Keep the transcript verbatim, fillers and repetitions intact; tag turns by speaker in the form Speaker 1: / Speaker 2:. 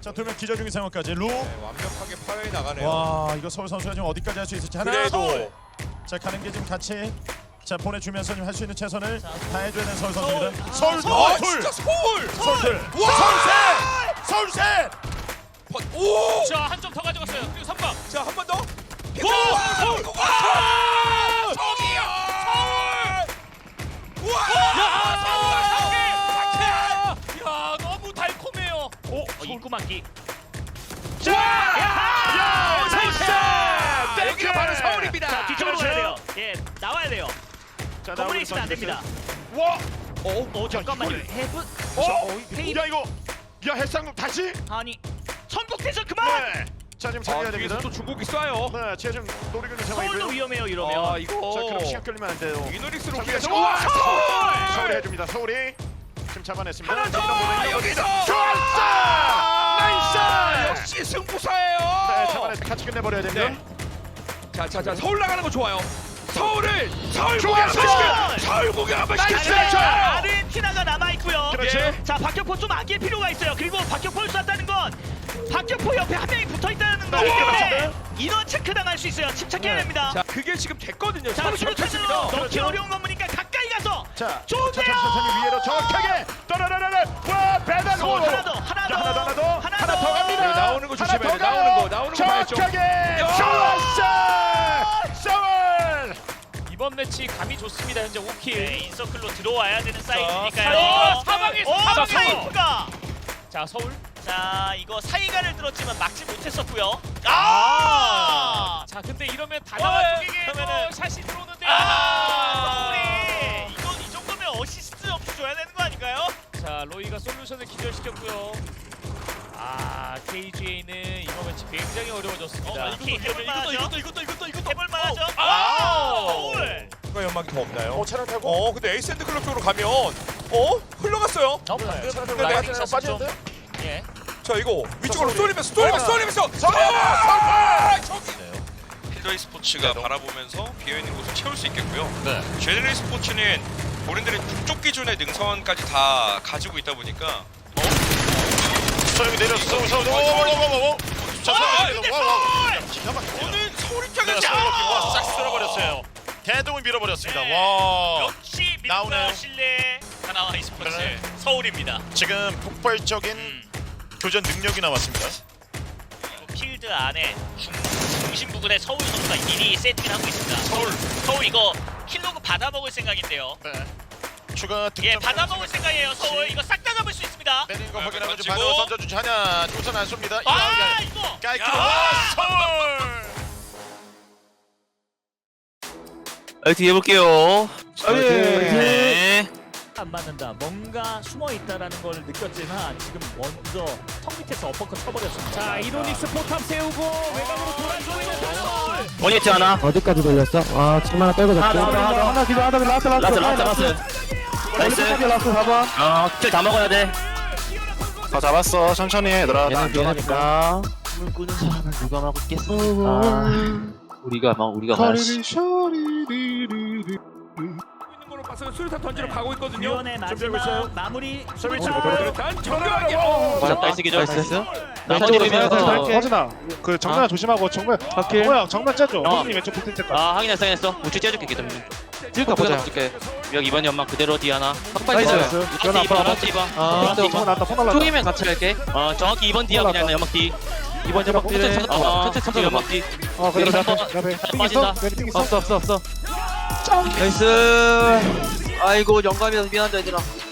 Speaker 1: 자, 두 명 기절 중인 상황까지 루.
Speaker 2: 네, 완벽하게 파괴해 나가네요.
Speaker 1: 와, 이거 서울 선수가 지금 어디까지 할 수 있을지 하나.
Speaker 2: 그래도
Speaker 1: 서울. 자, 가는 게 지금 같이 자 보내주면서 할 수 있는 최선을 다해줘야 되는 서울 선수입니다. 서울,
Speaker 2: 서울,
Speaker 1: 어,
Speaker 2: 아,
Speaker 1: 둘,
Speaker 2: 진짜 서울.
Speaker 1: 서울 둘,
Speaker 2: 와!
Speaker 1: 서울 셋, 서울 셋.
Speaker 2: 오!
Speaker 3: 자, 한 점 더 가져갔어요. 그리고 삼 번.
Speaker 2: 자, 한 번 더.
Speaker 3: 고! 서울!
Speaker 2: 와! 저기요! 서울! 와!
Speaker 3: 야, 야, 너무 달콤해요. 오, 어, 입구 막기.
Speaker 1: 자, 야,
Speaker 2: 나이스! 여기가 바로 서울입니다.
Speaker 3: 자, 뒤쪽으로 가야 돼요. 예, 나와야 돼요.
Speaker 1: 자,
Speaker 3: 건물에 있으면 안 됩니다.
Speaker 1: 와,
Speaker 2: 어?
Speaker 3: 오, 잠깐만요. 해븐
Speaker 1: 어,
Speaker 3: 페이드.
Speaker 1: 야 이거, 야 해상국 다시.
Speaker 3: 아니, 천국대전 그만.
Speaker 1: 네. 자, 지금
Speaker 2: 아,
Speaker 1: 살려야
Speaker 2: 뒤에서
Speaker 1: 됩니다.
Speaker 2: 또 중국이 쏴요.
Speaker 1: 네, 지금 노리고 있는
Speaker 3: 서울도
Speaker 1: 상황이고요.
Speaker 3: 위험해요 이러면.
Speaker 2: 아, 이거.
Speaker 1: 자, 그럼 시간 끌리면 안 돼요.
Speaker 2: 이노릭스로
Speaker 1: 자,
Speaker 2: 우리가
Speaker 1: 서울!
Speaker 2: 와, 서울!
Speaker 1: 서울이 해줍니다. 서울이 지금 잡아냈습니다.
Speaker 2: 하나 더!
Speaker 1: 이런
Speaker 2: 여기서!
Speaker 1: 좋았어! 나이스!
Speaker 2: 역시 승부사예요.
Speaker 1: 네, 잡아내서 같이 끝내버려야 됩니다.
Speaker 2: 네. 자, 자, 자, 서울 나가는 거 좋아요. 서울을 서울
Speaker 1: 좋아,
Speaker 2: 구경 한번
Speaker 1: 서울!
Speaker 2: 시켜. 서울 구경 한번
Speaker 1: 나이스!
Speaker 2: 시켜주세요.
Speaker 3: 아르헨티나가 남아 있고요.
Speaker 1: 그렇지.
Speaker 2: 예.
Speaker 3: 자, 박격포 좀 아낄 필요가 있어요. 그리고 박격포를 쐈다는 건 박격포 옆에 한 명이 붙어 있다는 거기 때문에 인원 체크 당할 수 있어요. 침착해야
Speaker 1: 네.
Speaker 3: 됩니다.
Speaker 2: 자, 그게 지금 됐거든요.
Speaker 3: 자,
Speaker 2: 서울
Speaker 3: 수류탄으로
Speaker 2: 접혔습니다.
Speaker 3: 넣기
Speaker 1: 그렇죠.
Speaker 3: 어려운 건물이니까 가까이 가서
Speaker 1: 자,
Speaker 3: 좋은데요.
Speaker 1: 천천히 천천히 위로 정확하게 떠라라라라. 와, 배달
Speaker 3: 오,
Speaker 1: 오.
Speaker 3: 하나 더, 하나 더,
Speaker 1: 하나 더, 하나 더,
Speaker 3: 하나
Speaker 1: 하나
Speaker 3: 더.
Speaker 1: 더 갑니다.
Speaker 2: 네, 나오는 거 조심해야
Speaker 1: 하나
Speaker 2: 돼.
Speaker 1: 더
Speaker 2: 나오는
Speaker 1: 가요.
Speaker 2: 거, 나오는 거 봐야죠.
Speaker 1: 정확하게 좋았어. 서울.
Speaker 3: 이번 매치 감이 좋습니다. 현재 오 킬. 네, 인서클로 들어와야 되는
Speaker 4: 사이드니까요.
Speaker 3: 사이드니까요.
Speaker 4: 사방에서
Speaker 3: 오,
Speaker 4: 사방에서.
Speaker 3: 사이프가.
Speaker 4: 자 서울.
Speaker 3: 자, 이거 사이가를 들었지만 막지 못했었고요. 아!
Speaker 4: 자 근데 이러면
Speaker 3: 어,
Speaker 4: 다나와 쪽에게
Speaker 3: 그러면은-
Speaker 4: 또 샷이 들어오는데.
Speaker 3: 아! 서울이 이건 이 정도면 어시스트 없이 줘야 되는 거 아닌가요?
Speaker 4: 자 로이가 솔루션을 기절시켰고요. 아 케이지에이는 이번 매치 굉장히 어려워졌습니다.
Speaker 3: 어, 이것도 해볼 만하죠?
Speaker 4: 이것도 이것도 이것도 이것도
Speaker 3: 해볼 만하죠?
Speaker 4: 어.
Speaker 3: 아! 서울!
Speaker 2: 누가 연막이 더 없나요?
Speaker 1: 어, 차량 타고.
Speaker 2: 어, 근데 에이스앤드 클럽 쪽으로 가면 어? 흘러갔어요.
Speaker 4: 어, 방금
Speaker 1: 차량 타고
Speaker 2: 근데
Speaker 1: 라이딩
Speaker 4: 샷은
Speaker 1: 빠지는데?
Speaker 4: 예.
Speaker 2: 자, 이거 위쪽으로
Speaker 1: 서울이.
Speaker 2: 쏠리면서 쏠리면서
Speaker 1: 서울.
Speaker 2: 쏠리면서
Speaker 1: 서울!
Speaker 2: 저기
Speaker 5: 필더이 스포츠가 바라보면서 비어있는 곳을 채울 수 있겠고요.
Speaker 4: 네.
Speaker 5: 제네럴 스포츠는 본인들의 북쪽 기준의 능선까지 다 가지고 있다 보니까
Speaker 1: 서울이 내렸어. 서울 서울. 오오오오오. 자,
Speaker 2: 아,
Speaker 1: 서울.
Speaker 2: 근데
Speaker 1: 와, 와. 기가 막히네요.
Speaker 2: 오늘 서울
Speaker 1: 네,
Speaker 2: 입장에서
Speaker 1: 서울 싹 쓸어버렸어요. 대동을 밀어버렸습니다.
Speaker 3: 네.
Speaker 1: 와.
Speaker 3: 역시
Speaker 1: 나오네요.
Speaker 3: 민노 실내 하나와 e스포츠
Speaker 1: 네.
Speaker 3: 서울입니다.
Speaker 1: 지금 폭발적인
Speaker 3: 음.
Speaker 1: 교전 능력이 나왔습니다.
Speaker 3: 그리고 필드 안에 중, 중심 부분에 서울 선수가 미리 세팅을 하고 있습니다. 서울, 서울 이거 킬로그 받아먹을 생각인데요.
Speaker 1: 네. 추가 득점.
Speaker 3: 예, 받아먹을 생각이에요. 서울 이거 싹 다 잡을 수 있습니다.
Speaker 1: 내리는 거 확인하고 좀
Speaker 5: 던지고.
Speaker 1: 반으로 던져주지 하냐. 우선 안 쏩니다.
Speaker 3: 아, 이거
Speaker 1: 깔끔.
Speaker 3: 야!
Speaker 1: 와, 서울.
Speaker 6: 화이팅 해볼게요.
Speaker 1: 네.
Speaker 4: 안 맞는다. 뭔가 숨어 있다라는 걸 느꼈지만 지금 먼저 턱 밑에서 어퍼컷 쳐버렸습니다. 자 이노닉스 포탑 세우고 외곽으로 돌아주고 있는 서울.
Speaker 6: 원히트 하나.
Speaker 7: 어디까지 걸렸어? 아 지금 하나 빼고 잡자.
Speaker 6: 하나, 하나, 하나.
Speaker 7: 하나 기도 하나 라스트 라스트
Speaker 6: 라스 라스 라스. 나이스.
Speaker 7: 라스트 라스트 사 번.
Speaker 6: 어, 킬 다 먹어야 돼.
Speaker 1: 다 잡았어. 천천히 해. 얘들아.
Speaker 7: 얘는 미안하니까.
Speaker 6: 꿈을 꾸는 사람은 누가 막고 있겠어? 아, 우리가 막 우리가 말했어.
Speaker 2: 있는 걸로 봐서 수류탄 던지러 가고 있거든요.
Speaker 3: 유연의
Speaker 1: 준비하고 있어요.
Speaker 3: 마지막 마무리
Speaker 1: 서울
Speaker 3: 수비차.
Speaker 2: 수류탄 정교하게. 어.
Speaker 6: 맞아, 나이스 기절.
Speaker 7: 나이스.
Speaker 6: 나머지 비면서.
Speaker 7: 허진아 그 정면 조심하고 정면 뭐야 정면 째줘.
Speaker 6: 어.
Speaker 7: 허진이 왼쪽 붙을 때까지.
Speaker 6: 아, 확인했어, 확인했어. 우측 째줄게 기점.
Speaker 7: 찍을까 보자.
Speaker 6: 줄게. 여기 이번 연막 그대로 뒤 하나.
Speaker 7: 나이스.
Speaker 6: 라스트
Speaker 7: 연아
Speaker 6: 이 번,
Speaker 7: 아파.
Speaker 6: 라스트 이 번.
Speaker 7: 아
Speaker 6: 라스트 이
Speaker 7: 근데
Speaker 6: 번.
Speaker 7: 폰 났다 폰 날랐다.
Speaker 6: 쪽이면 같이 갈게. 어, 정확히 이 번 뒤야 그냥 연막 뒤.
Speaker 7: 이번 연막
Speaker 6: 천천히
Speaker 7: 뒤에.
Speaker 6: 천천히 어, 천천히 천천히 연막 뒤.
Speaker 7: 어 그래
Speaker 6: 여기
Speaker 7: 나
Speaker 6: 한
Speaker 7: 앞에
Speaker 6: 번.
Speaker 7: 나 앞에. 띵
Speaker 6: 빠진다.
Speaker 7: 있어? 띵 있어?
Speaker 6: 없어, 없어, 없어. 나이스. 아이고 영감이라서 미안하다 얘들아.